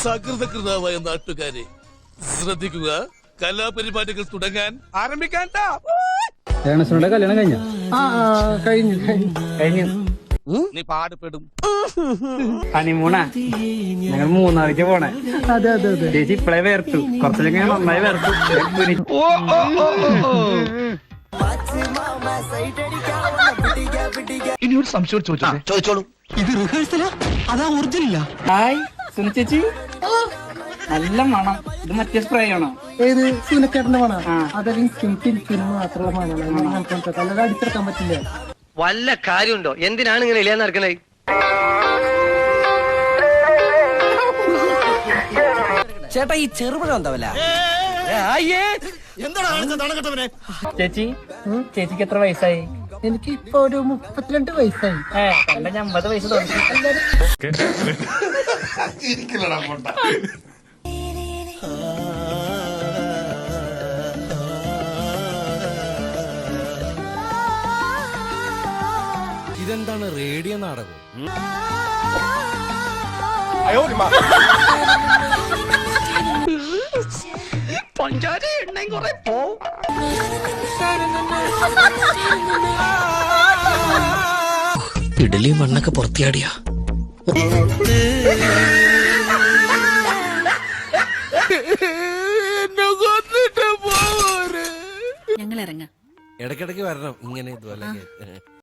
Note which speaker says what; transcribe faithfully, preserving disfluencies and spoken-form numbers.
Speaker 1: സകൃതകൃതാവായ നാട്ടുകാരെ ശ്രദ്ധിക്കുക, കലാപരിപാടികൾ തുടങ്ങാൻ ആരംഭിക്കാൻ.
Speaker 2: കല്യാണം കഴിഞ്ഞ കഴിഞ്ഞു കഴിഞ്ഞു
Speaker 1: നീ പാടുപെടും.
Speaker 2: ഹണിമൂണാ ഞങ്ങൾ മൂന്നാറിക്ക് പോണേ. അതെ അതെ അതെ ചേച്ചി ഇപ്പളേ വേർത്തു, കുറച്ചൊക്കെ നന്നായി വേർത്തു.
Speaker 3: ഇനി ഒരു സംശയം ചോദിച്ചോളൂ. ഇത് റിഹേഴ്സലാ അതാ ഒറിജിനല്ല?
Speaker 2: ഹായ് സുനി ചേച്ചി, നല്ല മണം. ഇത് മറ്റേ സ്പ്രേ ആണോ?
Speaker 4: ഏത് സീനക്കേട്ടന്റെ മണം? അതെനിക്ക് മാത്രമുള്ള മണമാണ്, അല്ലാതെ അടിച്ചെടുക്കാൻ പറ്റില്ല.
Speaker 5: വല്ല കാര്യമുണ്ടോ? എന്തിനാണ് ഇങ്ങനെ ഇല്ലാന്ന് നടക്കണേ?
Speaker 6: ചേട്ടാ ഈ ചെറുപഴം എന്താവല്ല?
Speaker 2: ചേച്ചി ചേച്ചിക്ക് എത്ര വയസ്സായി?
Speaker 4: എനിക്ക് ഇപ്പൊ ഒരു മുപ്പത്തിരണ്ട് വയസ്സായി.
Speaker 2: ഏ കണ്ട അമ്പത് വയസ്സ് തോന്നി.
Speaker 6: ഇതെന്താണ് റേഡിയോ നാടകം?
Speaker 5: പഞ്ചാര എണ്ണയും കുറെ പോ.
Speaker 6: ഇഡലി മണ്ണൊക്കെ പുറത്തിയാടിയാ.
Speaker 7: ഞങ്ങൾ ഇറങ്ങാം.
Speaker 6: ഇടയ്ക്കിടയ്ക്ക് വരണം ഇങ്ങനെ ഇതുപോലെ.